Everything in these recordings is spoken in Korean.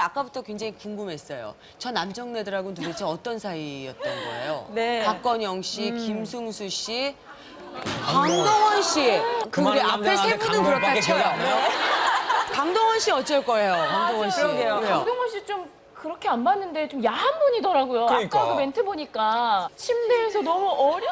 아까부터 굉장히 궁금했어요. 저 남정네들하고는 도대체 어떤 사이였던 거예요? 네. 박건영 씨, 김승수 씨, 강동원 씨. 우리 앞에 세 분은 그렇다 쳐요. 강동원 씨 어쩔 거예요? 강동원 씨. 그러게요. 왜요? 강동원 씨 좀 그렇게 안 봤는데 좀 야한 분이더라고요. 그러니까. 아까 그 멘트 보니까 침대에서 너무 어려워.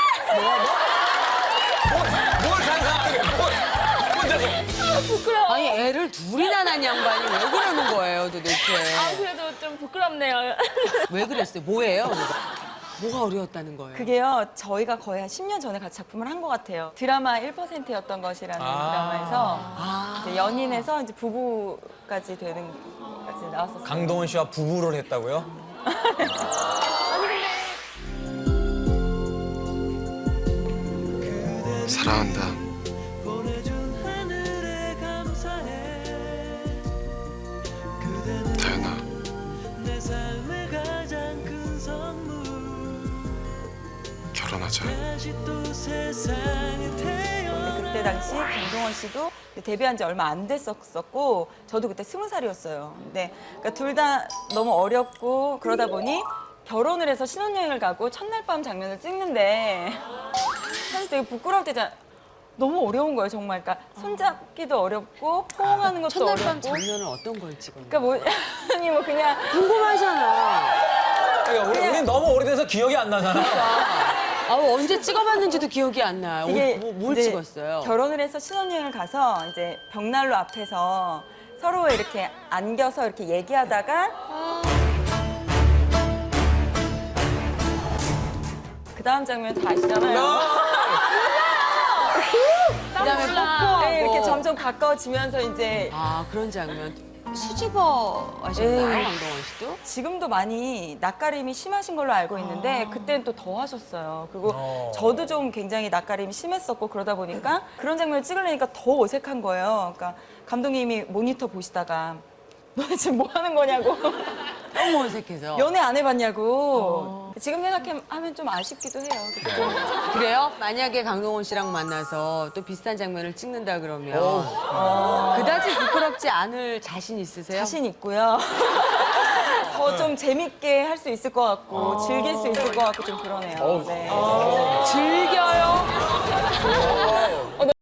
뭘 상상하게, 혼자서. 부끄러워. 아니 애를 둘이나 낳은 양반이 왜 그러는 거예요 도대체? 아, 그래도 좀 부끄럽네요. 왜 그랬어요? 뭐예요? 뭐가 어려웠다는 거예요? 그게요, 저희가 거의 한 10년 전에 같이 작품을 한 것 같아요. 드라마 1%였던 것이라는 드라마에서 이제 연인에서 이제 부부까지 되는 까지 나왔었어요. 강동원 씨와 부부를 했다고요? 사랑한다. 다현아. 결혼하자. 그때 당시 강동원 씨도 데뷔한 지 얼마 안 됐었고 저도 그때 20살이었어요. 근데 그러니까 둘 다 너무 어렵고 그러다 보니 결혼을 해서 신혼여행을 가고 첫날 밤 장면을 찍는데 사실 되게 부끄러울 때잖아. 너무 어려운 거예요, 정말. 그러니까 손잡기도 어렵고 포옹하는 것도 첫날 밤 어렵고. 장면을 어떤 걸 찍었나요? 그러니까 뭐 아니 뭐 그냥 궁금하잖아. 그러니까 우리는 너무 오래돼서 기억이 안 나잖아. 아, 언제 찍어봤는지도 기억이 안 나요. 뭘 이제 찍었어요? 결혼을 해서 신혼여행을 가서 이제 벽난로 앞에서 서로 이렇게 안겨서 이렇게 얘기하다가 그 다음 장면 다 아시잖아요. 그다음에 뽀뽀하고. 네, 이렇게 점점 가까워지면서 이제 아, 그런 장면. 수줍어 하셨나요, 네. 강동원 씨도? 지금도 많이 낯가림이 심하신 걸로 알고 있는데 그때는 또 더 하셨어요. 그리고 저도 좀 굉장히 낯가림이 심했었고 그러다 보니까 그런 장면을 찍으려니까 더 어색한 거예요. 그러니까 감독님이 모니터 보시다가 너네 지금 뭐 하는 거냐고. 너무 어색해서. 연애 안 해봤냐고. 지금 생각하면 좀 아쉽기도 해요. 그때. 그래요? 만약에 강동원 씨랑 만나서 또 비슷한 장면을 찍는다 그러면 그다지 부끄럽지 않을 자신 있으세요? 자신 있고요. 더 좀 재밌게 할 수 있을 것 같고 즐길 수 있을 것 같고 좀 그러네요. 네. 즐겨요?